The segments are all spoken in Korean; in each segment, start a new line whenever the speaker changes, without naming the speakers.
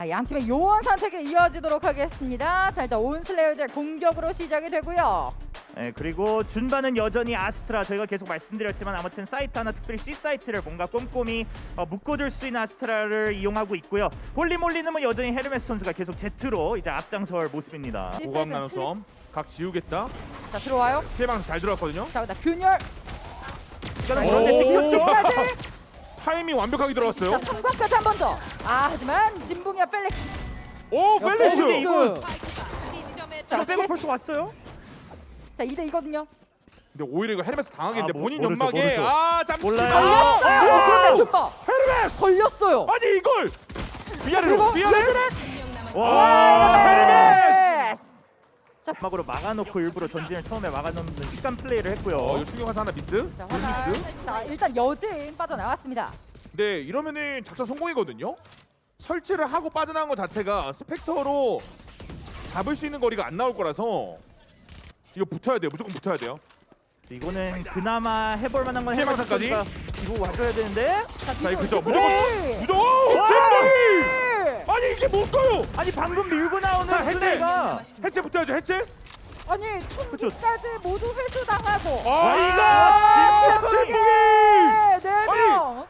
양 팀의 요원 선택이 이어지도록 하겠습니다. 자, 일단 온슬레이어즈의 공격으로 시작이 되고요.
네, 그리고 준바는 여전히 아스트라 저희가 계속 말씀드렸지만 아무튼 사이트 하나 특별히 C 사이트를 뭔가 꼼꼼히 묶어둘 수 있는 아스트라를 이용하고 있고요. 홀리몰리는 여전히 헤르메스 선수가 계속 제트로 이제 앞장설 모습입니다.
고각 나눠서 각 지우겠다.
자, 들어와요.
피해방 잘 들어갔거든요.
자, 일단 균열.
시간은 그런데 지금
지금까지.
타이밍 완벽하게 들어갔어요.
자, 3관까지 한 번 더. 하지만 진붕이와 펠릭스.
오 펠릭스.
이거
자,
지금 빼고 벌써 왔어요?
자, 2대 2거든요.
근데 오히려 이거 헤르메스 당하겠는데 본인
모르죠,
연막에
모르죠.
잠시
몰라요.
걸렸어요. 그런데 준바.
헤르메스.
걸렸어요.
아니 이걸 위아래로
그리고
위아래.
와,
헤르메스.
자, 막으로 막아놓고 일부러 전진을 처음에 막아놓는 시간 플레이를 했고요.
이거 충격화사 하나 미스.
자,
둘
화살.
미스.
자, 일단 여진 빠져나왔습니다.
네 이러면은 작전 성공이거든요. 설치를 하고 빠져나간 것 자체가 스펙터로 잡을 수 있는 거리가 안 나올 거라서 이거 붙어야 돼요. 무조건 붙어야 돼요.
이거는 그나마 해볼 만한 건
피해망
헤르메스
선까지?
선수가 뒤로 와줘야 되는데
자 이거 그죠.
네.
무조건 진봉이. 아니 이게 뭘까요?
아니 방금 밀고 나오는
자, 해체!
플레이가
해체 붙어야죠. 해체.
아니, 총기까지 모두 회수당하고.
아 이거 진봉이.
네 명.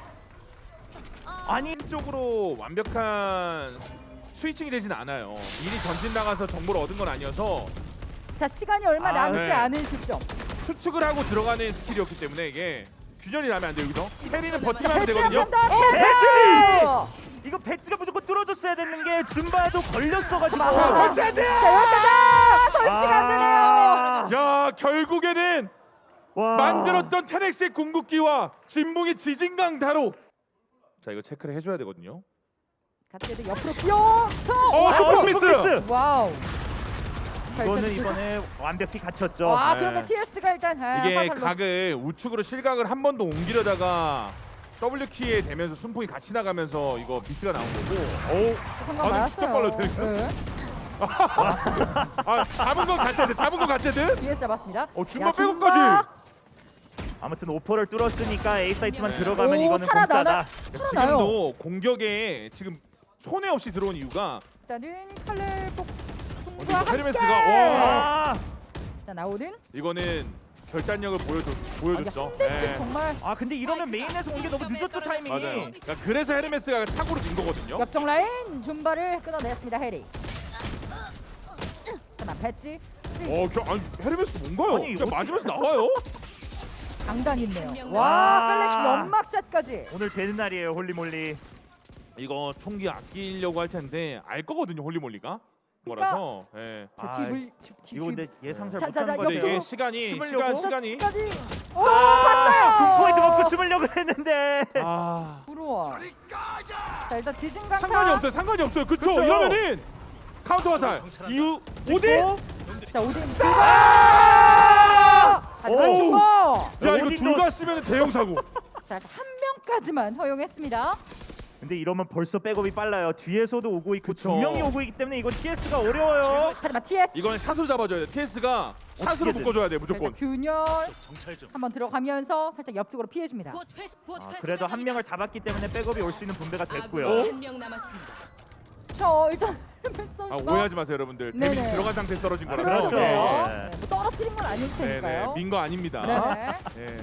아니
쪽으로 완벽한 스위칭이 되진 않아요. 미리 전진 나가서 정보를 얻은 건 아니어서
자, 시간이 얼마 남지
네.
않은 시점.
추측을 하고 들어가는 스킬이었기 때문에 이게 균열이 나면 안 돼요. 여기서 해리는 버티면 하면 되거든요.
배치!
자,
이거 배치가 무조건 뚫어줬어야 되는 게 준바도 걸렸어가지고
설치 안 돼!
여기까지 설치가 안 되네요.
야 결국에는
와.
만들었던 테넥스의 궁극기와 진붕의 지진강타로. 자 이거 체크를 해줘야 되거든요.
가트헤드 옆으로 뛰어서.
슈퍼미스!
와우. 자,
이거는
일단
이번에 완벽히 갇혔죠.
와,
네.
그런데 TS가 일단
이게
화살로.
각을 우측으로 실각을 한 번 더 옮기려다가 W 키에 대면서 순풍이 같이 나가면서 이거 미스가 나온 거고. 오,
성공
반응 진짜 빨라요,
맞았어요.
테닉스.
네.
아 잡은 건 같애드, 잡은 건 같애드.
TS 잡았습니다.
준바
야,
백업까지.
준바.
아무튼 오퍼를 뚫었으니까 A 사이트만 들어가면
오,
이거는
살아나나?
공짜다.
살아나요.
지금도 공격에 지금 손해 없이 들어온 이유가
일단은 칼날
이거
폭풍과 함께.
헤르메스가 와
자, 나오는.
이거는 결단력을 보여줬죠.
한 대씩
네.
정말
근데 이러면 메인에서 온 게 너무 늦었죠 타이밍이.
맞아요. 그러니까 그래서 헤르메스가 착오로 진 거거든요.
옆쪽 라인 준바를 끊어냈습니다. 해리. 하나 배지.
아니 헤르메스 뭔가요?
아니,
그냥
어떻게-
맞으면서 나와요?
장단 있네요.
와.
와, 펠렉스 연막샷까지.
오늘 되는 날이에요 홀리몰리.
이거 총기 아끼려고 할 텐데 알 거거든요 홀리몰리가. 거라서. 예.
자,
아,
팁을
이거 근데 예상 잘
자, 자,
못한
자,
건데.
근데 이게
옆으로.
시간이
시간이. 오,
아,
봤어요.
9포인트 먹고 숨으려고 했는데.
아
부러워. 자, 일단 지진강타.
상관이 없어요. 상관이 없어요. 그쵸?
그쵸?
이러면은 카운터 화살. 이후 오딘.
자, 오딘.
아!
하지만
오.
준바.
야 이거
오딘도-
둘 다 쓰면 대형 사고.
자, 일단 한 명까지만 허용했습니다.
근데 이러면 벌써 백업이 빨라요. 뒤에서도 오고 있고
그쵸.
두 명이 오고 있기 때문에 이거 TS가 어려워요.
하지만 TS.
이거는 샷으로 잡아줘야 돼. TS가 샷으로
어떻게든.
묶어줘야 돼
자, 일단
무조건.
균열 한번 들어가면서 살짝 옆쪽으로 피해줍니다.
그래도 한 명을 잡았기 때문에 백업이 올 수 있는 분배가 됐고요.
한명 남았습니다.
저 일단 헤르메스 선수가
오해하지 마세요 여러분들.
네네.
데미지 들어간 상태에서 떨어진 거라서.
그렇죠.
그렇죠.
네.
뭐 떨어뜨린 건 아닐
네네.
테니까요.
민 거 아닙니다.
네네.
네.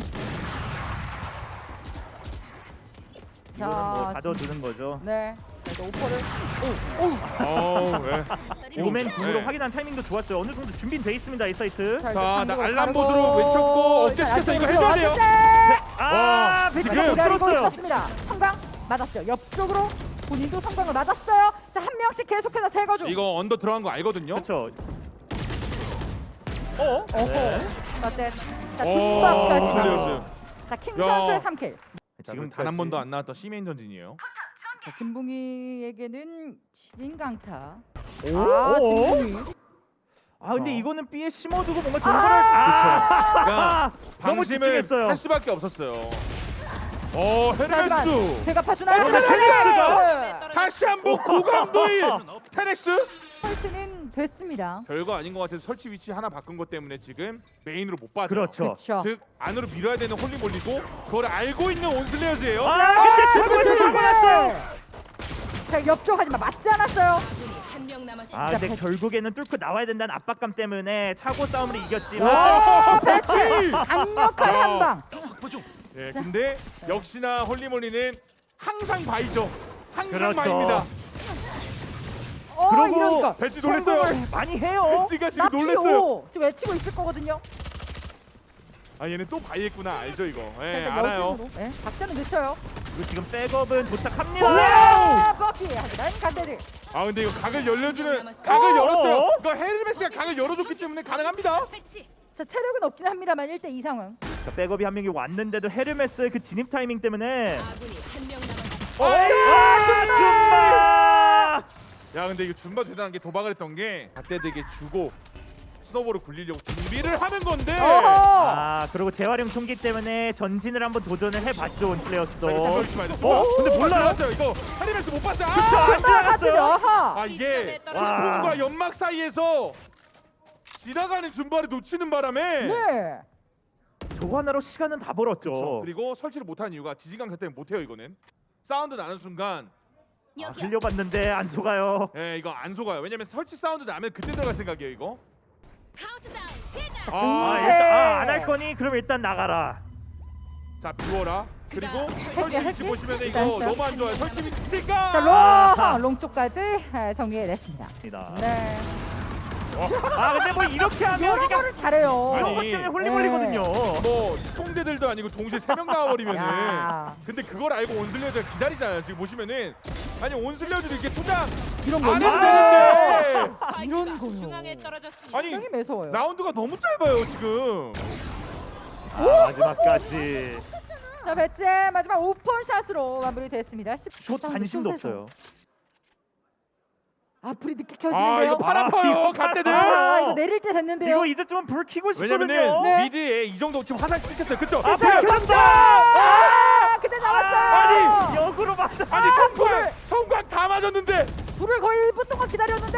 이거는 뭐
자,
가둬두는 거죠.
네. 자, 일단 오퍼를.
네.
오멘 궁으로
네.
확인한 타이밍도 좋았어요. 어느 정도 준비는 돼 있습니다 이 사이트.
자,
자,
일단
나
장로
알람봇으로
가르고
외쳤고
일단
억제시켜서 이거
안쪽으로
해줘야 돼요.
들어왔는데
아,
와,
배치가
지금
못
기다리고
들었어요.
있었습니다. 성광 맞았죠. 옆쪽으로 본인도 성광을 맞았어요. 자, 한 명씩 계속해서 제거 중.
이거 언더 들어간 거 알거든요.
그렇죠.
어허.
네.
어때? 자,
오,
중박까지.
클리어스.
자, 킹
야.
선수의 3킬.
지금 단 한 번도 안 나왔던 C메인 전진이에요.
자, 진붕이에게는 지진강타.
오?
아,
오?
진붕이.
아 근데
어.
이거는 B에 심어두고 뭔가 전설을
그러니까
너무
방심을
집중했어요.
할 수밖에 없었어요.
자, 하지만
헤르메스
배가 파주나요?
근데 테넥스가!
다시 한번 고강도인 테넥스.
펄트는 됐습니다.
별거 아닌 것 같아서 설치 위치 하나 바꾼 것 때문에 지금 메인으로 못 빠져.
그렇죠.
그렇죠.
즉 안으로 밀어야 되는 홀리몰리고 그걸 알고 있는 온슬레어즈예요.
아 근데 중국에서 사고 났어요.
자 옆쪽 하지만 맞지 않았어요.
한명 남았습니다.
아 근데
배치.
결국에는 뚫고 나와야 된다는 압박감 때문에 차고 싸움을 이겼지만
오 배치 강력한
야.
한방.
예,
자.
근데 역시나 홀리몰리는 항상 바이죠. 항상
그렇죠.
바입니다.
그러고
이러니까
배치 놀랬어요.
성공을 많이 해요.
배치가 지금
나피
놀랬어요.
5 지금 외치고 있을 거거든요.
아 얘는 또 바이했구나 알죠 이거. 예,
일단
알아요.
여진으로, 예, 박자는 늦춰요.
그리고 지금 백업은 도착합니다.
와 버키 하지만 간대들.
아 근데 이거 각을 열려주는
남았어요.
각을 열었어요.
어?
이거 헤르메스가 각을 열어줬기 때문에 가능합니다.
배치.
자 체력은 없긴 합니다만 1대2 상황.
자, 백업이 한 명이 왔는데도 헤르메스의 그 진입 타이밍 때문에
아군이 한명 남았습니다.
줌바!
야 근데 이거 준바 대단한 게 도박을 했던 게 갓대되게 주고 스노볼을 굴리려고 준비를 하는 건데.
어허.
아 그리고 재활용 총기 때문에 전진을 한번 도전을 해봤죠 온슬레어스도. 근데 몰라요?
몰랐어요. 이거 헤르메스 못 봤어요.
그쵸,
아,
안 지나갔어요.
어허.
아 이게
시점에
스폰과 연막 사이에서 지나가는 준바를 놓치는 바람에
네.
저거 하나로 시간은 다 벌었죠.
그리고 설치를 못한 이유가 지진강타 때문에 못해요 이거는. 사운드 나는 순간
아, 흘려봤는데 안 속아요.
예 이거 안 속아요. 왜냐면 설치 사운드 나면 그때 들어갈 생각이에요 이거.
카운트다운 시작.
아
네.
일단 안 할 거니 그럼 일단 나가라.
자 비워라. 그리고 설치 위치
할게.
보시면 이거
일단
너무 안 좋아요. 설치 위치가.
자
아하.
롱 쪽까지 정리해냈습니다. 네.
아 근데 뭐 이렇게 하면
이런
그러니까
거를 잘해요.
아니,
이런 것 때문에 홀리몰리거든요.
뭐 특공대들도 아니고 동시에 3명 나와버리면은
야.
근데 그걸 알고 온슬레어즈가 기다리잖아요. 지금 보시면은 아니 온슬레어즈도 이렇게 투장
이런 거
안 해도
아.
되는데
스파이크가
거요.
중앙에 떨어졌습니다.
아니
굉장히 매서워요.
라운드가 너무 짧아요 지금.
아, 마지막까지
자 배치 마지막 오픈 샷으로 마무리됐습니다.
숏 관심도 없어요.
아 불이 늦게
아
켜지는데요.
이거 팔 아파요
이거
갓대들.
아, 이거 내릴 때 됐는데요.
이거 이제쯤은 불 켜고 싶거든요.
왜냐면은
네.
미드에 이 정도 지금 화살 찍혔어요. 그쵸?
아
자,
불켰다.
아, 그때 잡았어요.
아니,
역으로 맞아.
아니 성광 다 맞았는데.
불을 거의 1분 동안 기다렸는데.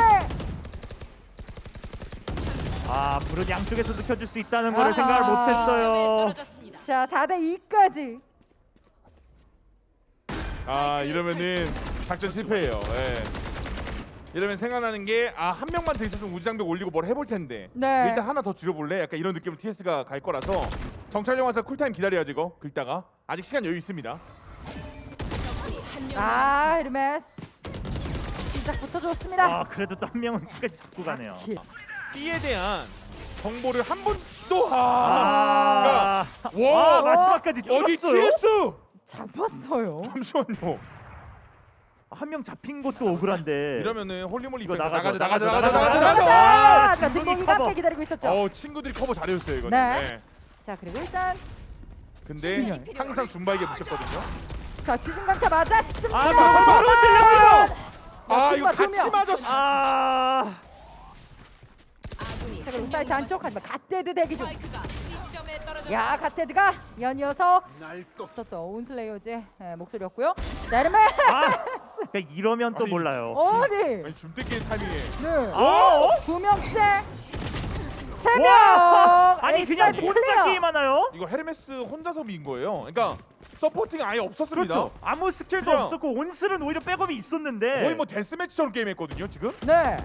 아 불은 양쪽에서도 켜줄 수 있다는 거를
아하.
생각을
점에
못했어요.
떨어졌습니다.
자 4대 2까지.
아 이러면은 작전 실패예요. 예. 이러면 생각나는 게 아 한 명만 더 있었으면 우지장벽 올리고 뭘 해볼 텐데
네.
일단 하나 더 줄여볼래? 약간 이런 느낌으로 TS가 갈 거라서 정찰용 화살 쿨타임 기다려야지 이거 긁다가 아직 시간 여유 있습니다.
적군이 한명
아 헤르메스 시작부터 좋습니다.
아 그래도 또 한 명은 끝까지 잡고 가네요.
B에 대한 정보를 한 번도
아,
와,
마지막까지
여기
찍었어요.
TS
잡았어요.
잠시만요.
한 명 잡힌 것도 억울한데.
이러면은 홀리몰리
이거
입장에서
나가죠.
자
진국이
진공이가
커버.
함께 기다리고 있었죠.
친구들이 커버 잘해줬어요 이거는.
네.
네.
자 그리고 일단
근데
진영.
항상 준바에게 묻혔거든요.
자 지진강타 맞았습니다.
아, 맞아. 서로 들렸어요.
아 이거
준바 두
같이
명.
맞았어.
아
아군이
자 그리고
한명
사이트 안쪽
남았습니다.
하지만 갓데드 대기 중.
스파이크가 B점에 떨어졌습니다.
야 갓데드가 연이어서 또 온슬레이어즈의 목소리였고요. 자 헤르메
그러니까 이러면 또
아니,
몰라요.
어디?
아니 줌떼끼리 타이밍에
네.
어?
두 명째 세 명.
와! 아니 그냥
에이사이트
혼자
클리어.
게임하나요?
이거 헤르메스 혼자서 민 거예요. 그러니까 서포팅이 아예 없었습니다.
그렇죠. 아무 스킬도
그냥-
없었고 온슬은 오히려 백업이 있었는데.
거의 뭐 데스매치처럼 게임했거든요 지금.
네.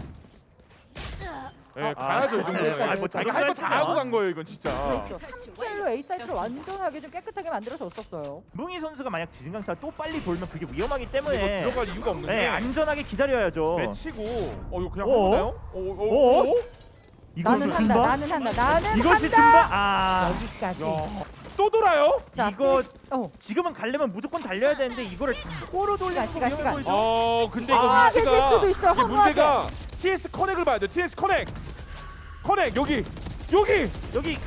네, 가야죠 이 정도는.
여기까지,
뭐
자기가 할 거 다 하고 간 거예요 이건 진짜.
그렇죠. 3킬로 A 사이트를 완전하게 좀 깨끗하게 만들어줬었어요.
뭉이 선수가 만약 지진강타 또 빨리 돌면 그게 위험하기
이거
때문에
들어갈 이유가 없는
네,
게
안전하게 기다려야죠.
매치고 이거 그냥
어?
해보나요?
어? 이것이
나는
준바?
한다. 나는 한다. 나는
이것이
한다.
준바? 아
여기까지.
또 돌아요?
자,
이거
지금은
가려면 무조건 달려야 되는데 이거를 자꾸로 돌리는 거
시간,
위험해
시간.
보이죠?
근데 이거
아,
위치가
되질 수도 있어요,
이게 문제가 TS 커넥을 봐야 돼. TS 커넥 여기
여기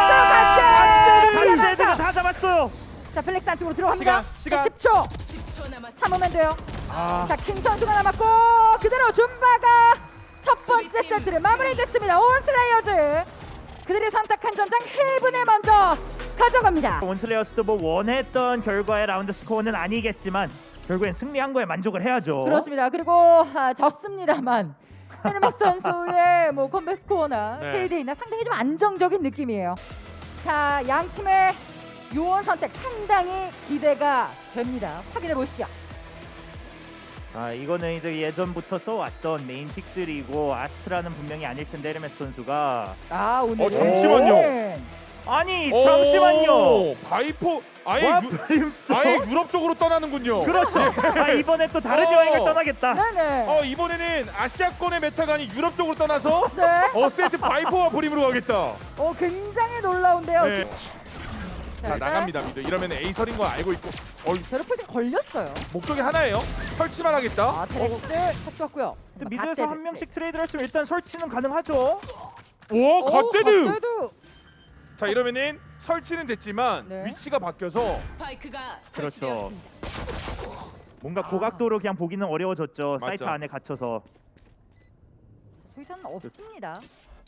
들어갔죠.
반대가 다 잡았어요.
자 플렉스 안쪽으로 들어갑니다.
시간.
자, 10초
10초 남았습니다.
참으면 돼요.
아
자 킹 선수가 남았고 그대로 줌바가 첫 번째 세트를 마무리했습니다. 온슬레이어즈 그들이 선택한 전장 헤븐을 먼저 가져갑니다.
온슬레어스도 뭐 원했던 결과의 라운드 스코어는 아니겠지만 결국엔 승리한 거에 만족을 해야죠.
그렇습니다. 그리고 졌습니다만 헤르메스 선수의 뭐 컴백 스코어나
네.
KD나 상당히 좀 안정적인 느낌이에요. 자, 양 팀의 요원 선택 상당히 기대가 됩니다. 확인해 보시죠.
아 이거는 이제 예전부터 써왔던 메인 픽들이고 아스트라는 분명히 아닐 텐데 헤르메스 선수가
아 오늘
잠시만요.
아니 잠시만요.
바이포 아예
와
유,
브림스톤.
아예 유럽 쪽으로 떠나는군요.
그렇죠. 아 이번에 또 다른
어.
여행을 떠나겠다.
네네.
이번에는 아시아권의 메타가 아닌 유럽 쪽으로 떠나서
네.
세트 바이포와 브림으로 가겠다.
굉장히 놀라운데요.
네.
지금.
자 나갑니다 미드. 이러면 에이설인 거 알고 있고
제로폴딩 걸렸어요.
목적이 하나예요. 설치만 하겠다.
아 테렉스 찾았고요.
근데 미드에서 한 명씩 트레이드를 했으면 일단 설치는 가능하죠.
오 갓데드.
갓데드.
자 이러면은 설치는 됐지만
네.
위치가 바뀌어서
스파이크가
그렇죠.
설치되었습니다.
뭔가 고각도로 그냥 보기는 어려워졌죠.
맞죠.
사이트 안에 갇혀서.
소유탄은 없습니다.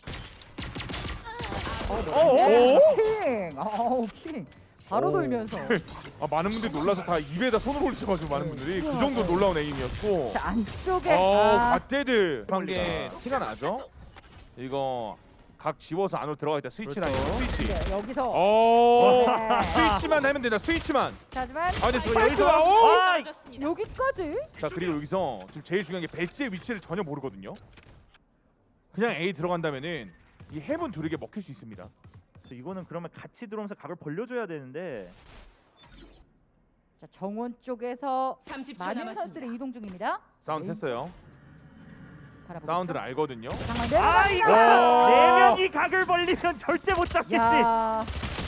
오?
킹. 바로
오.
돌면서.
많은 분들이 놀라서 다 입에다 손을 올리셔가지고 많은 분들이 그 정도 놀라운 에임이었고.
자 안쪽에
갓데드 한게 티가 나죠. 이거 각 지워서 안으로 들어가겠다. 스위치
그렇죠.
라인 스위치.
네, 여기서
오
네.
스위치만 하면 된다. 스위치만.
하지만
근데
여기서
여기서 오!
떨어졌습니다.
여기까지
자 그리고 여기서 지금 제일 중요한 게 배지의 위치를 전혀 모르거든요. 그냥 A 들어간다면은 이 헤븐 둘에게 먹힐 수 있습니다.
이거는 그러면 같이 들어오면서 각을 벌려줘야 되는데.
자 정원 쪽에서
30초
많은
남았습니다.
선수들이 이동 중입니다.
사운드
왼쪽
했어요.
바라보고
사운드를
있죠.
알거든요.
장만
아 이거
내려갑니다.
네 명이 각을 벌리면 절대 못 잡겠지.
야.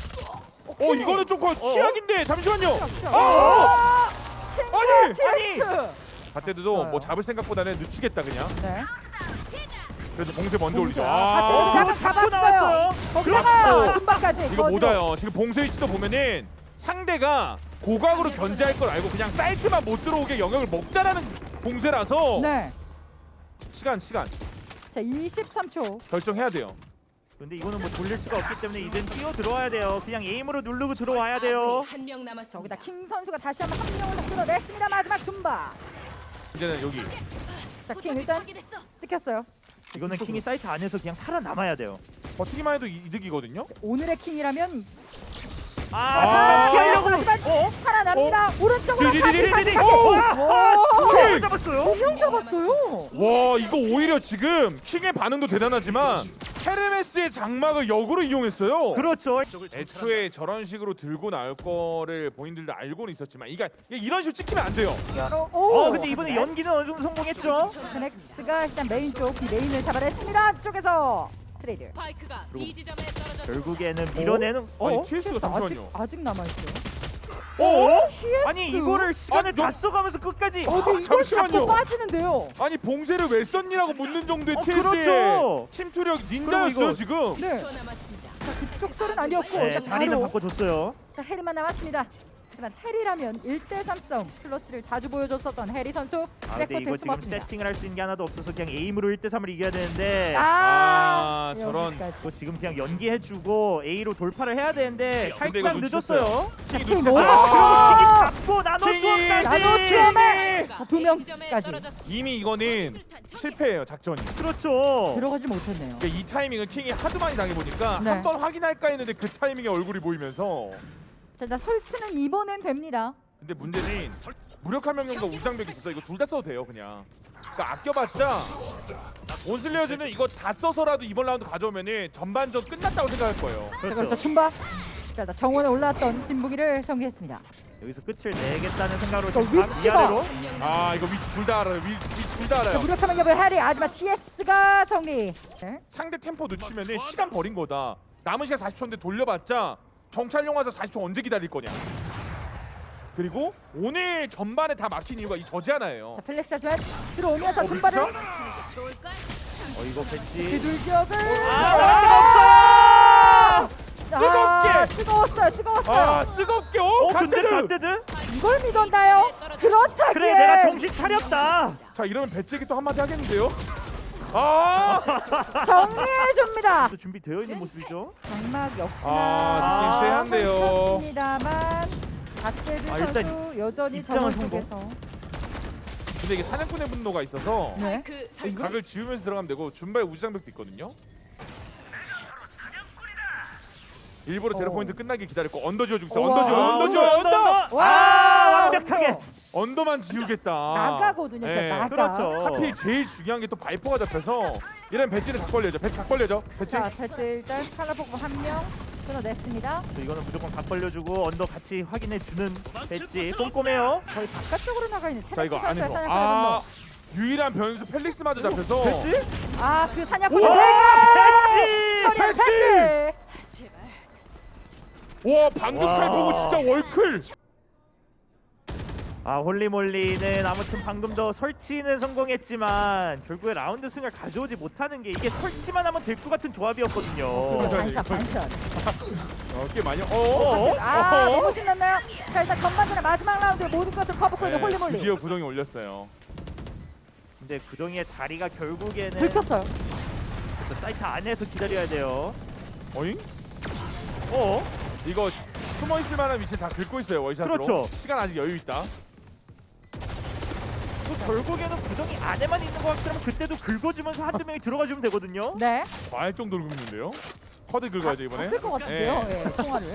이거는 좀 취약인데 잠시만요.
아!
아니
TS.
갓데드도
없어요.
뭐 잡을 생각보다는 늦추겠다 그냥.
네.
그래서 봉쇄 먼저 올리죠.
갓데드
그거 잡고 나왔어요.
거기다가
그렇죠.
중반까지
이거 못
거기로.
와요. 지금 봉쇄 위치도 보면은 상대가 고각으로 견제할 걸 알고 그냥 사이트만 못 들어오게 영역을 먹자라는 봉쇄라서
네.
시간
자 23초.
결정해야 돼요.
근데 이거는 뭐 돌릴 수가 없기 때문에 이젠 뛰어 들어와야 돼요. 그냥 에임으로 누르고 들어와야 돼요.
한명 남았습니다.
저기다 킹 선수가 다시 한번 한 명을 더 끌어냈습니다. 마지막 줌바.
이제는 여기
자 킹 일단 찍혔어요.
이거는 킹이 사이트 안에서 그냥 살아남아야 돼요.
버티기만 해도 이득이거든요.
오늘의 킹이라면
아 잠깐 피하려고.
하지만 살아납니다. 오른쪽으로
디디디디디디.
오!
잡았어요.
두명 잡았어요.
와 이거 오히려 지금 킹의 반응도 대단하지만 헤르메스의 장막을 역으로 이용했어요.
그렇죠.
애초에 저런 식으로 들고 나올 거를 본인들도 알고는 있었지만 이게 이런 식으로 찍히면 안 돼요.
오.
근데 이번에 연기는 어느 정도 성공했죠.
그넥스가 일단 메인 쪽 메인을 잡아냈습니다. 안쪽에서 트레이드.
스파이크가 B 지점에 떨어졌습니다.
결국에는 밀어내는.
아니 TS가 잠시만요.
아직 남아 있어요.
아니 이거를 시간을
아니,
다 써가면서 끝까지.
근데 이걸
잠시만요.
잡고 빠지는데요.
아니 봉쇄를 왜 썼니라고 묻는 정도의 TS의
그렇죠.
침투력
그리고
닌자였어요
이거-
지금.
네.
10초 남았습니다.
자 그쪽 소리는 아니었고
네,
일단
자리는
바로
바꿔줬어요.
자 해리만 남았습니다. 하지만 해리라면 1대3 싸움 클러치를 자주 보여줬었던 해리 선수
아 근데
백코트에
이거 지금
숨었습니다.
세팅을 할 수 있는 게 하나도 없어서 그냥 에임으로 1대3을 이겨야 되는데.
저런.
여기까지.
그거 지금 그냥 연기해주고 A로 돌파를 해야 되는데
근데 이거
살짝 늦었어요.
킹이
킹
놓쳤어요.
뭐?
아, 킹이 잡고 나노
킹이
수업까지.
나노 수업에! 자, 두
A
명까지.
지점에 떨어졌습니다.
이미 이거는 실패예요 작전이.
그렇죠.
들어가지 못했네요.
그러니까 이 타이밍은 킹이 하도 많이 당해보니까
네.
한 번 확인할까 했는데 그 타이밍에 얼굴이 보이면서.
자 일단 설치는 이번엔 됩니다.
근데 문제는 무력화 명령과 우장벽이 있어서 이거 둘 다 써도 돼요 그냥. 그러니까 아껴봤자 온슬레어즈는 이거 다 써서라도 이번 라운드 가져오면은 전반전 끝났다고 생각할 거예요.
자
그렇죠.
그렇죠 춤바. 자 일단 정원에 올라왔던 진북이를 정리했습니다.
여기서 끝을 내겠다는 생각으로
저
지금 각
위치가-
위아래로.
아 이거 위치 둘 다 알아요. 위치 둘 다
자
알아요.
무력하면 ገብ을 해리 하지만 TS가 정리. 네.
상대 템포 늦추면은 시간 버린 거다. 남은 시간 40초인데 돌려봤자 정찰용 와서 40초 언제 기다릴 거냐. 그리고 오늘 전반에 다 막힌 이유가 이 저지 하나예요.
자 플렉스 하지만 들어오면서 춤바를
이거 벤치.
비둘기역을
아
뜨겁게!
뜨거웠어요.
아 뜨겁게
근데
갓데드.
갓데드?
이걸 믿었나요? 그렇다기에
그래 내가 정신 차렸다.
자 이러면 배째기 또 한마디 하겠는데요? 아
정리해줍니다.
또 준비되어 있는 모습이죠.
장막 역시나
아, 느낌 쎄한데요.
펼쳤습니다만 갓데드
아, 일단
선수 여전히
입장은
정원
성공.
쪽에서
근데 이게 사냥꾼의 분노가 있어서
네.
스파이크 설치.
각을 지우면서 들어가면 되고 준바의 우지장벽도 있거든요. 일부러 제로 포인트 끝나길 기다렸고 언더 지어주고 있어.
우와.
언더 지어.
아,
언더 지어. 언더.
와
완벽하게.
언더만 지우겠다.
나가거든요. 진짜
예.
나가.
그렇죠.
하필 제일 중요한 게 또 바이퍼가 잡혀서 이런 배지는 각 걸려죠. 배지 각 걸려죠. 배지.
자, 배치 일단 칼라 포크 한명 끊어냈습니다.
이거는 무조건 각 벌려주고 언더 같이 확인해주는 배지. 꼼꼼해요.
거의 바깥쪽으로 나가 있는
자
테네스
이거
선수의
안에서
사냥꾼.
유일한 변수 펠릭스마저 잡혀서
배지?
그 사냥꾼
우와, 배지!
처리한
배지!
배치.
제발.
와 방금
와.
칼 보고 진짜 월클.
홀리몰리는 아무튼 방금 더 설치는 성공했지만 결국에 라운드 승을 가져오지 못하는 게 이게 설치만 하면 될 것 같은 조합이었거든요.
반샷 반샷.
꽤 많이. 어?
너무 신났나요? 자, 일단 전반전의 마지막 라운드에 모든 것을 커버하고 있는 홀리몰리.
드디어 구덩이 올렸어요.
근데 구덩이의 자리가 결국에는
들켰어요.
그렇죠, 사이트 안에서 기다려야 돼요.
어잉?
어?
이거 숨어 있을 만한 위치 다 긁고 있어요 월샷으로.
그렇죠.
시간 아직 여유 있다.
또 결국에는 구덩이 안에만 있는 거 확실하면 그때도 긁어주면서 한두 명이 들어가주면 되거든요.
네.
과할 정도로 긁는데요. 커드 긁어야죠 이번에.
쓸 것 같은데요.
예.
예, 통화를.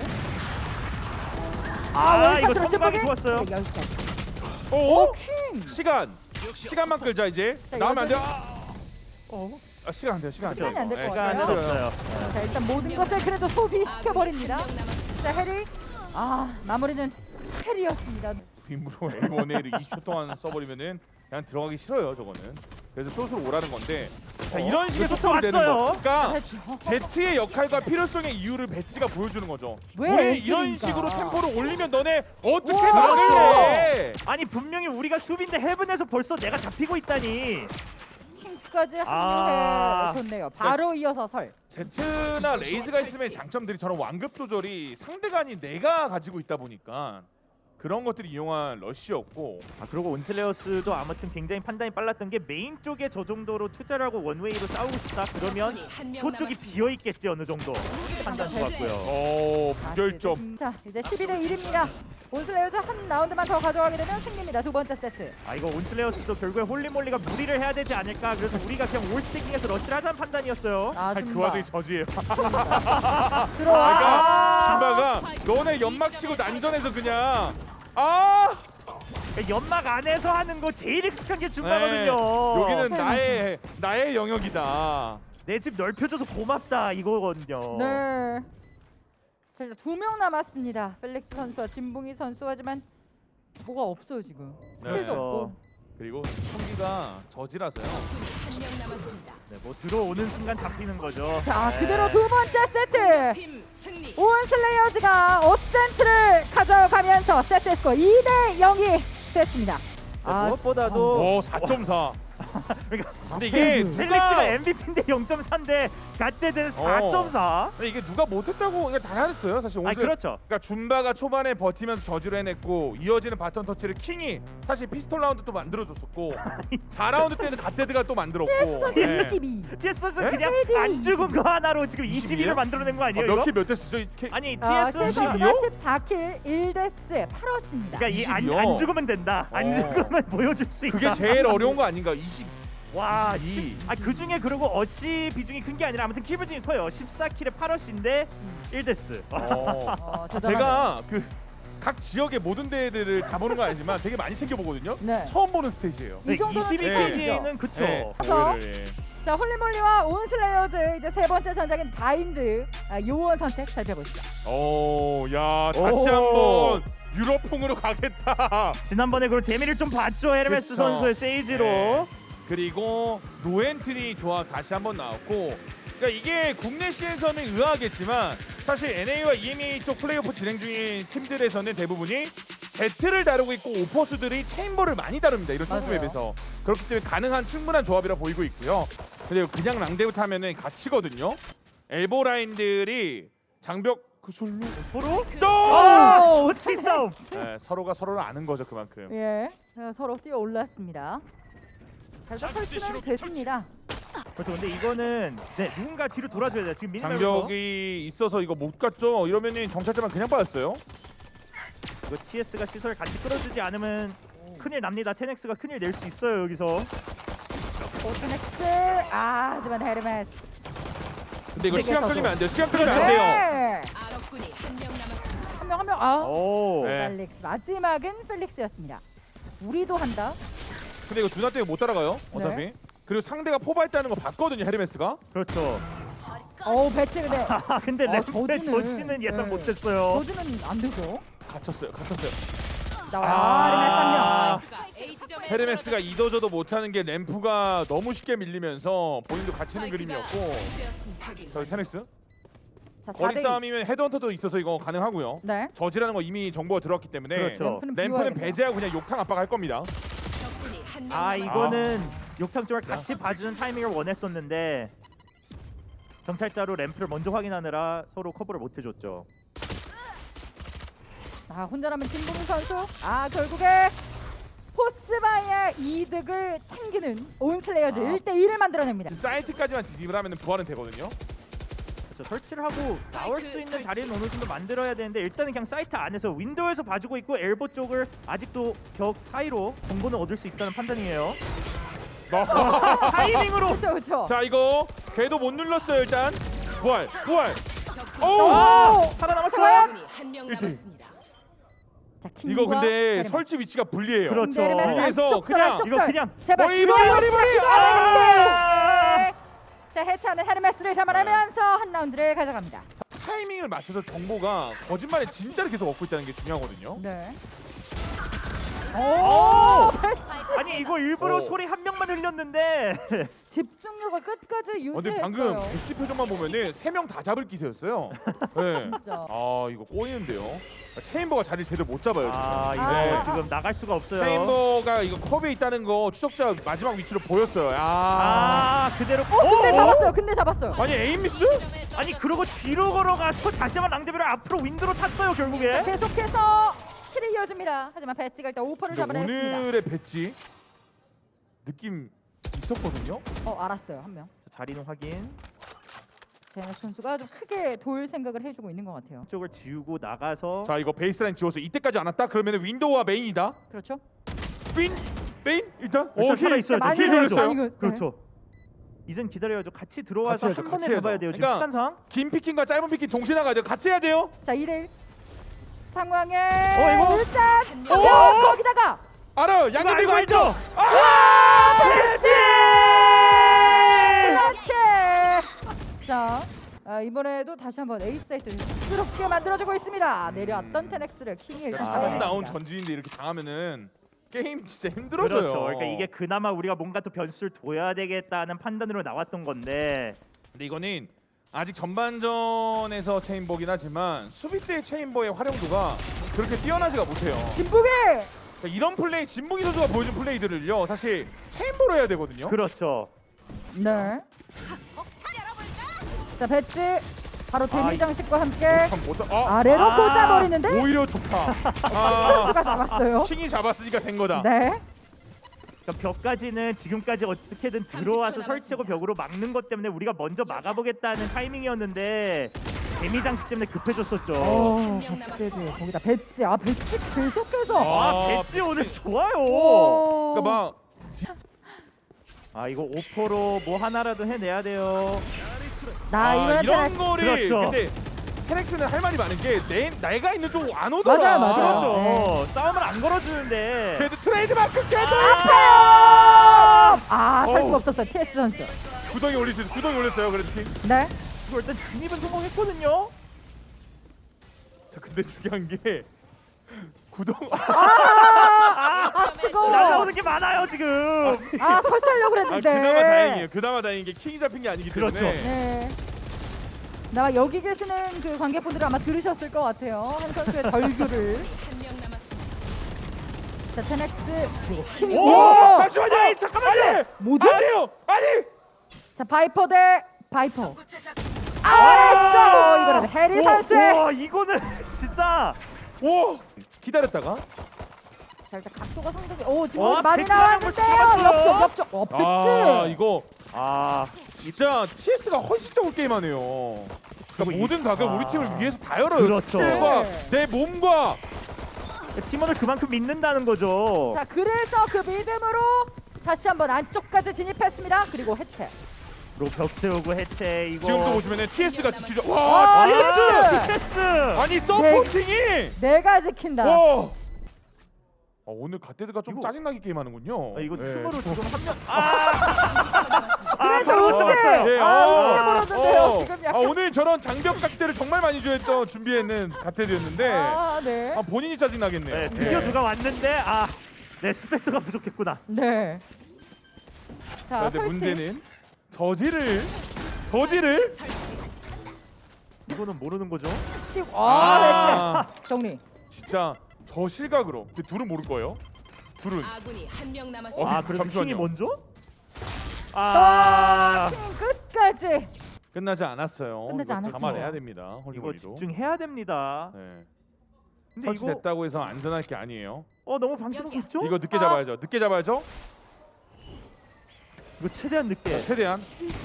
이거
원샷으로
선방이
찌르기?
좋았어요.
네, 여기까지.
오?
킹.
시간만 끌자 이제.
자,
나오면 안 돼요.
여전히-
시간 안 돼요. 시간 안 돼요.
시간이 안될것
예,
같아요.
시간은 없어요.
자, 일단 모든 것을 그래도 소비시켜 버립니다.
한명 남았습니다.
자, 해리. 마무리는 해리였습니다.
빈으로 A1A를 20초 동안 써버리면은 그냥 들어가기 싫어요 저거는. 그래서 숏으로 오라는 건데. 자, 이런 식의
이거
소통이 되는
왔어요.
거. 그러니까
됐죠.
Z의 역할과 필요성의 이유를 배지가 보여주는 거죠.
왜
우리 이런
엔트리인가?
식으로 템포를 올리면 너네 어떻게
우와.
막을래?
아니 분명히 우리가 수비인데 헤븐에서 벌써 내가 잡히고 있다니.
킹까지 합류해 줬네요. 바로 이어서 설.
Z나 레이즈가 있으면 장점들이 저런 완급 조절이 상대가 아닌 내가 가지고 있다 보니까 그런 것들이 이용한 러쉬였고.
그리고 온슬레어스도 아무튼 굉장히 판단이 빨랐던 게 메인 쪽에 저 정도로 투자를 하고 원웨이로 싸우고 싶다 그러면 소 쪽이 비어 있겠지 어느 정도. 판단 좋았고요.
무결점.
자, 이제 11대 1입니다. 온슬레이어즈 한 라운드만 더 가져가게 되면 승리입니다. 두 번째 세트.
이거 온슬레어스도 결국에 홀리몰리가 무리를 해야 되지 않을까. 그래서 우리가 그냥 올 스태킹해서 러쉬를 하자는 판단이었어요.
그
줌바.
와중에 저지예요.
들어와.
줌바가 너네 연막 치고 난전해서 그냥
연막 안에서 하는 거 제일 익숙한 게 줌바거든요.
여기는
설마.
나의 영역이다.
내 집 넓혀줘서 고맙다 이거거든요.
네. 자, 일단 2명 남았습니다. 펠릭스 선수와 진봉이 선수. 하지만 뭐가 없어요 지금. 스킬도
그렇죠.
없고.
그리고 총기가 저지라서요.
한명 남았습니다.
네, 뭐 들어오는 순간 잡히는 거죠.
자,
네.
그대로 두 번째 세트.
팀 승리.
온슬레이어즈가 5센트를 가져가면서 세트 스코어 2대 0이 됐습니다.
무엇보다도
4.4.
그러니까
근데 이게
펠릭스가 MVP인데 0.4인데 갓데드는 4.4.
근데 이게 누가 못했다고 이게 다 잘했어요 사실. 오늘
그렇죠.
그러니까 줌바가 초반에 버티면서 저지를 해냈고 이어지는 바톤 터치를 킹이 사실 피스톨 라운드 또 만들어줬었고 4라운드 때는 갓데드가 또 만들었고.
CS 선수
예.
22.
TS 선수
네?
그냥
KD
안 죽은 거 하나로 지금
22
22를 만들어낸 거 아니에요?
몇
이거?
킬 몇 대 쓰죠?
아니
CS
TS 선수
22 요?
선수가 14킬 1데스 8어시입니다.
그러니까 이 안
22 요?
죽으면 된다. 안 죽으면 보여줄 수 있다.
그게 제일 어려운 거 아닌가? 20.
와,
22.
그 중에 그리고 어시 비중이 큰 게 아니라 아무튼 킬 비중이 커요. 14킬에 8어시인데 1데스.
대단하죠.
제가 그 각 지역의 모든 대회들을 다 보는 건 아니지만 되게 많이 챙겨 보거든요.
네.
처음 보는 스테이지예요.
이 정도는
22KD는 그쵸.
네.
그래서
예.
자, 홀리몰리와 온슬레이어즈 이제 세 번째 전장인 바인드 요원 선택 살펴보시죠.
야 다시
오.
한번 유럽풍으로 가겠다.
지난번에 그런 재미를 좀 봤죠. 헤르메스
그쵸.
선수의 세이지로.
네. 그리고 노엔트리 조합 다시 한번 나왔고. 그러니까 이게 국내 시에서는 의아하겠지만 사실 NA와 EMEA 쪽 플레이오프 진행 중인 팀들에서는 대부분이 Z를 다루고 있고 오퍼스들이 체인버를 많이 다룹니다. 이런
맞아요.
슈퍼맵에서. 그렇기 때문에 가능한 충분한 조합이라 보이고 있고요. 근데 그냥 랑데부터 하면은 갇히거든요. 엘보 라인들이 장벽 그
서로
오!
또 쇼티 싸움.
네, 서로가 서로를 아는 거죠 그만큼.
예, 서로 뛰어 올랐습니다. 잘 설치는 됐습니다.
그렇죠. 근데 이거는 누군가 뒤로 돌아줘야 돼요. 지금 미니맵에서
장벽이 있어서 이거 못 갔죠. 이러면은 정찰자만 그냥 빠졌어요.
이거 TS가 시설 같이 끌어주지 않으면 큰일 납니다. 테넥스가 큰일 낼 수 있어요 여기서.
오트넥스 하지만 헤르메스
근데 이거 시간
세계에서도.
끌리면 안 돼요. 시간 끌리면 안
그렇죠.
돼요.
네.
아랍군이 한명 남았습니다.
한 명 한 명. 아,
오.
네.
펠릭스 마지막은 펠릭스였습니다. 우리도 한다.
근데 이거 두나 때문에 못 따라가요. 어차피.
네.
그리고 상대가 포바했다는 거 봤거든요. 헤르메스가.
그렇죠.
배치 근데
아 근데 램프의 저지는 예상
네.
못했어요.
저지는 안 되죠.
갇혔어요.
나와.
A 지점에
헤르메스가 이도저도 못하는 게 램프가 너무 쉽게 밀리면서 본인도 갇히는 그림이었고. 저기 테넥스.
자,
거리
4대2.
싸움이면 헤드헌터도 있어서 이거 가능하고요.
네.
저지라는 거 이미 정보가 들어왔기 때문에
그렇죠.
램프는
램프는
비워야겠네요.
배제하고 그냥 욕탕 압박할 겁니다.
적군이 한명
아
남았습니다.
이거는 욕탕 쪽을 같이 봐주는 타이밍을 원했었는데 정찰자로 램프를 먼저 확인하느라 서로 커버를 못 해줬죠.
혼자라면 진봉 선수. 결국에 포스바의 이득을 챙기는 온슬레이어즈 1대1을 만들어냅니다.
사이트까지만 진입을 하면 부활은 되거든요.
그렇죠. 설치를 하고 나올 수 있는 자리는 어느 정도 만들어야 되는데 일단은 그냥 사이트 안에서 윈도우에서 봐주고 있고 엘보 쪽을 아직도 벽 사이로 정보는 얻을 수 있다는 판단이에요. 타이밍으로.
그렇죠.
자 이거 궤도 못 눌렀어요 일단. 부활.
적군이
오!
살아남았어요.
적군이 한명
일등.
남았습니다.
자,
이거
킹과
근데
헤르메스.
설치 위치가 불리해요.
그렇죠.
그래서
안쪽설,
그냥
안쪽설.
이거 그냥
제발
머리,
기도해
머리,
주세요.
머리.
기도해. 자, 해체하는 헤르메스를 잡아내면서 한 라운드를 가져갑니다.
타이밍을 맞춰서 정보가 거짓말에 진짜를 계속 얻고 있다는 게 중요하거든요.
네.
오!
배치.
아니 이거 일부러
오.
소리 한 명만 흘렸는데
집중력을 끝까지
근데
유지했어요.
방금 백지 표정만 보면은 3명 다 잡을 기세였어요. 네.
진짜.
아 이거 꼬이는데요. 체인버가 자리 제대로 못 잡아요. 지금.
아 이거
아.
지금 나갈 수가 없어요.
체인버가 이거 컵에 있다는 거 추적자 마지막 위치로 보였어요.
그대로.
근데 잡았어요.
아니 에임 미스?
아니 그러고 뒤로 걸어가서 다시 한번 랑데비를 앞으로 윈드로 탔어요 결국에.
계속해서 킬이 이어집니다. 하지만 배치가 일단 오퍼를
근데
잡아냈습니다.
오늘의 배지 느낌 있었거든요.
알았어요. 한 명.
자리는 확인.
제네 선수가 좀 크게 돌 생각을 해주고 있는 것 같아요.
쪽을 지우고 나가서.
자 이거 베이스라인 지워서 이때까지 안 왔다? 그러면 윈도우와 메인이다.
그렇죠?
메인 일단.
일단 살아 있어요.
많이
힐
흘렸어요.
흘렸어요.
많이
그렇죠. 이젠 기다려야죠. 같이 들어와서
같이
한
해야죠,
번에
같이
잡아야
해야죠.
돼요. 지금
그러니까
시간상.
긴 피킹과 짧은 피킹 동시에 나가야 돼요. 같이 해야 돼요.
자 2대1 상황에
이거?
일단
오!
거기다가
알아요.
이거
양념
알고
이거
알죠?
알죠?
배치!
그렇지. 자 이번에도 다시 한번 에이스 사이트를 시끄럽게 만들어주고 있습니다. 내려왔던 테넥스를 킹이 일단
처음 나온
잡아냈습니다.
전지인데 이렇게 당하면은 게임 진짜 힘들어져요.
그렇죠. 그러니까 이게 그나마 우리가 뭔가 또 변수를 둬야 되겠다는 판단으로 나왔던 건데.
근데 이거는 아직 전반전에서 체인버긴 하지만 수비 때 체인버의 활용도가 그렇게 뛰어나지가 못해요.
진북이
그러니까 이런 플레이 진무기 선수가 보여준 플레이들을요 사실 체인버로 해야 되거든요.
그렇죠.
네. 자 배치 바로 데미
이-
장식과 함께
참 못하.
아래로
아,
꽂아버리는데
오히려 좋다.
선수가 잡았어요.
킹이 잡았으니까 된 거다.
네.
그러니까 벽까지는 지금까지 어떻게든 들어와서
30초
설치하고 벽으로 막는 것 때문에 우리가 먼저 막아보겠다는 타이밍이었는데 데미 장식 때문에 급해졌었죠.
배치 거기다 배치 배치 계속해서
아,
배지 오늘 좋아요.
오.
그러니까 막
이거 오퍼로 뭐 하나라도 해내야 돼요.
나 이번에
이런 거를
그렇죠.
근데 테넥스는 할 말이 많은 게 내가 있는 쪽 안 오더라.
맞아요.
그렇죠.
네.
싸움을 안 걸어주는데.
그래도 트레이드마크 계속
살
어우.
수가 없었어요. TS 선수.
구덩이 올렸어요. 구덩이 올렸어요. 그래도 킹.
네.
이거 일단 진입은 성공했거든요.
자 근데 중요한 게 구덩
뜨거워.
날라오는 게 많아요 지금.
설치하려고 그랬는데.
그나마 다행이에요. 그나마 다행인 게 킹이 잡힌 게 아니기 때문에.
그렇죠.
네. 나 여기 계시는 그 관객분들 아마 들으셨을 것 같아요. 한 선수의 절규를.
한명 남았습니다.
자 테넥스 그리고 킴이.
오! 잠시만요. 잠깐만요.
뭐죠?
아니요. 아니.
자 바이퍼 대 바이퍼. 이거는 해리 선수의.
와 이거는 진짜.
오. 기다렸다가
자 일단 각도가 상당히 지금
와,
많이
배치 하나
나왔는데요.
벌써 잡았어요.
옆쪽. 배치.
이거
진짜.
진짜 TS가 헌신적으로 게임하네요. 그러니까
그리고
모든 각을 우리 팀을 위해서 다 열어요.
그렇죠.
스킬과
네.
내 몸과
팀원을 그만큼 믿는다는 거죠.
자 그래서 그 믿음으로 다시 한번 안쪽까지 진입했습니다. 그리고 해체.
벽 세우고 해체 이거.
지금도 보시면은 TS가 지키죠.
아,
와,
TS!
패스.
아니 서포팅이.
내가 지킨다.
와. 오늘 갓데드가 좀
이거-
짜증나게 게임하는군요.
이거
네.
틈으로 지금 한 명.
그래서
바로
어떻게
잡았어요.
예,
어떻게 벌었는데요? 지금 약간.
오늘 저런 장벽 각대를 정말 많이 준비했는 갓데드였는데
네.
본인이 짜증나겠네요.
네, 드디어 누가 왔는데 네 스펙터가 부족했구나.
네. 자,
그런데
설치.
문제는 저지를
이거는 모르는 거죠?
띄고.
아.
했지. 정리.
진짜 저 실각으로. 근데 둘은 모를 거예요. 둘은.
아군이 한 명 남았습니다.
그래도
잠시만요.
킹이 먼저?
팀 끝까지.
끝나지 않았어요.
끝나지
이거
않았어요.
감안해야 됩니다.
이거
홀리몰리도.
집중해야 됩니다.
네.
근데 이거
설치됐다고 해서 안전할 게 아니에요.
너무 방심하고 있죠?
이거 늦게 잡아야죠. 늦게 잡아야죠.
이거 최대한 늦게.
최대한.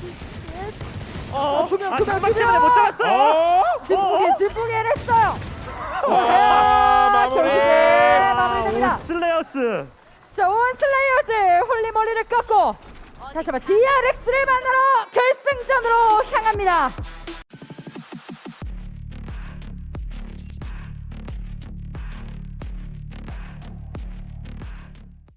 조명,
장막
조명.
때문에 못 잡았어요.
진풍이 해냈어요.
마무리.
결국에 마무리됩니다.
슬레이어스.
자, 온 슬레이어즈 홀리몰리를 꺾고 다시 한번 DRX를 만나러 결승전으로 향합니다.